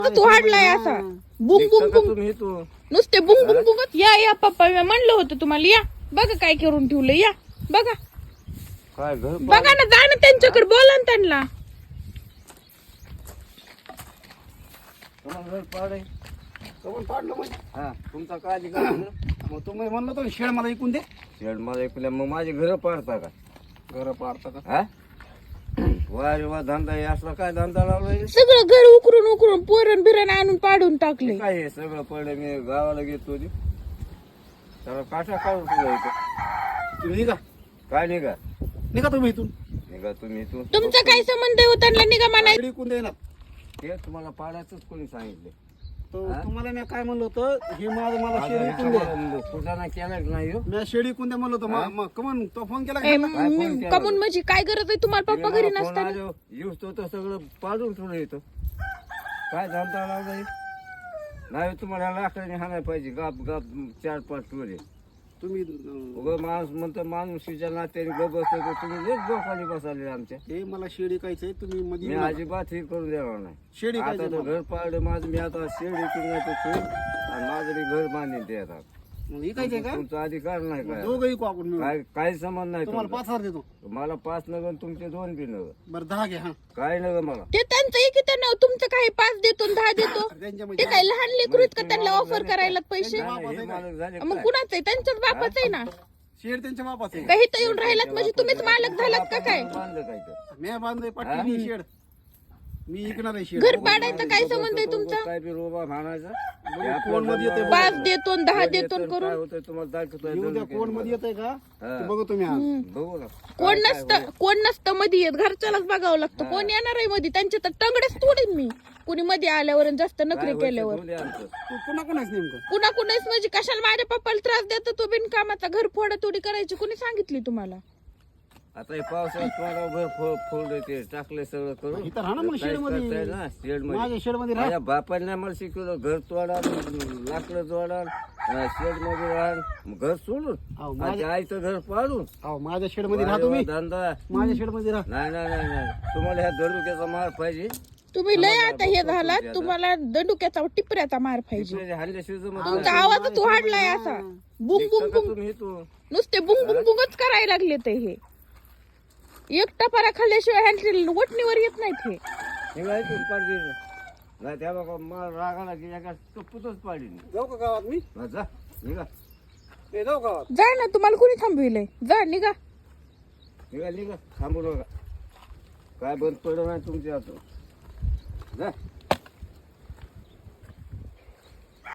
तू हाडलाय असा बुंग बुंग बुंग तुम्ही तू नुसते बुंग बुंग बुंगत या पप्पा मी म्हणलं होतं तुम्हाला या बघा काय करून ठेवलं या बघा काय घर बघा ना जा ना त्यांच्याकडे बोला ना त्यांना तुम्हाला घर पाड आहे कमून पाडलं म्हणजे हा तुमचा काय अधिकार आहे? मग तुम्ही म्हणलं तर शेड मला ऐकून दे शेड मला ऐकल्या मग माझे घर पाडता का घर पाडता का हा वारे वा धंदा आहे असला काय धंदा लावलाय सगळं घर उकरून उकरून पोरण बिरण आणून पाडून टाकले काय हे सगळं पडलं मी गावाला घेतो त्याला काठा काढून तुला इथं तुम्ही निघा काय निघा निघा तुम्ही इथून निघा तुम्ही इथून तुमचा काय संबंध आहे हो त्यांना निघा म्हणा शेड ऐकून देणार ते तुम्हाला पाडायचंच कोणी सांगितले तुम्हाला मी काय म्हणलं होतं हे माझं मला शेड ऐकून द्या कुठाना केलाच नाही हो. मी शेड ऐकून द्या म्हणलं होतं मग कमन तो फोन केला का? कमून म्हणजे काय गरज आहे तुम्हाला पप्पा घरी मला फोन नसताना आलो, येऊस तो सगळं पाडून ठेवलं येतो काय धंदा लावलाय नाही तुम्हाला लाकडाने हाणाय पाहिजे गाप गाप 4-5 टोले तुम्ही उगं माणूस म्हणतो माणुसीच्या नात्याने गप बसतो तर तुम्ही लेच बोकाली बसाले आमच्या हे मला शेड ऐकायचंय तुम्ही मी मध्ये अजिबात हे करून देणार नाही शेड आता ऐकायचं तर घर पाडलं माझं मी आता शेड इकडून नाही तर ठेवून आणि माझं मी घर बांधेन ते आता मग ऐकायचंय का तुमचा अधिकार नाही काय दोघं ऐकू आपण मिळून. काय काही संबंध नाही तुम्हाला तुमचा. 5,000 देतो मला 5 नगर तुमचे 2 बी नगर बरं 10 घ्या हा काय नगर मला ते त्यांचं एक त्यांना तुमचं काय 5 देतो आणि 10 देतो त्यांच्या ते म्हणजे काय लहान लेकरू आहेत का त्यांना ऑफर करायला पैसे नाही, हे मालक झाले मग काय? कुणाचं आहे त्यांच्याच बापाचं आहे ना शेड त्यांच्या बापाचं आहे काही तर येऊन राहिलात म्हणजे तुम्हीच मालक झालात का काय बांधलं काय तर मी बांधलंय पाटील शेड मी ऐकणार आहे शेड घर पाडायचं काय संबंध आहे तुमचा काय बी रोबा म्हणायचा कोण मध्ये येते 5 देतो आणि 10 देतो काय करून होतंय तुम्हाला दाखवतोय येऊ द्या कोण मध्ये येतंय का ते बघू तुम्ही आज बघू ना कोण नसतं मध्ये येत घरच्यालाच बघावं लागतं कोण येणार आहे मध्ये त्यांचे तर टंगडेच तोडीन मी कुणी मध्ये आल्यावर आणि जास्त नखरे केल्यावर तू पुन्हा कोणाच नेमकं कुणा कुणाच म्हणजे कशाला माझ्या पप्पाला त्रास देतो तो बिनकामाचा घर फोडातोडी करायची कुणी सांगितली तुम्हाला आता हे पावसाळ्यात तुम्हाला घर फोड ते टाकले सगळं करून इथं राहा ना मग शेड मध्ये शेड मध्ये माझ्या शेड मध्ये राहा माझ्या बापाने नाही मला शिकवलं घर तोडा लाकडं जोडा शेड मध्ये राहा घर सोडून अहो, माझ्या आईचं घर पाडून अहो माझ्या शेड मध्ये राहा तुम्ही धंदा माझ्या शेड मध्ये राहा नाही नाही नाही नाही तुम्हाला ह्या दंडुक्याचा मार पाहिजे तुम्ही लय आता हे झालात तुम्हाला दंडुक्याचा टिपऱ्याचा मार पाहिजे इकडे हल्ल्याशिवाय जमत तुमचा आवाजच वाढलाय असा बुंग बुंग नाही. बुंग तुम्ही तू नुसते बुंग बुंग बुंगच करायला लागले ते हे एक टपारा खाल्ल्याशिवाय हँडल वटणीवर येत नाहीत हे निघायचं पाडली नाही त्या बघा मला रागाला की एका टप्पूतच पाडली जाऊ का गावात मी जा निघा ए, जाऊ गावात जा ना तुम्हाला कोणी थांबविलंय जा निघा निघा निघा थांबू नका काय बंद पडलं नाही तुमच्या हातून जा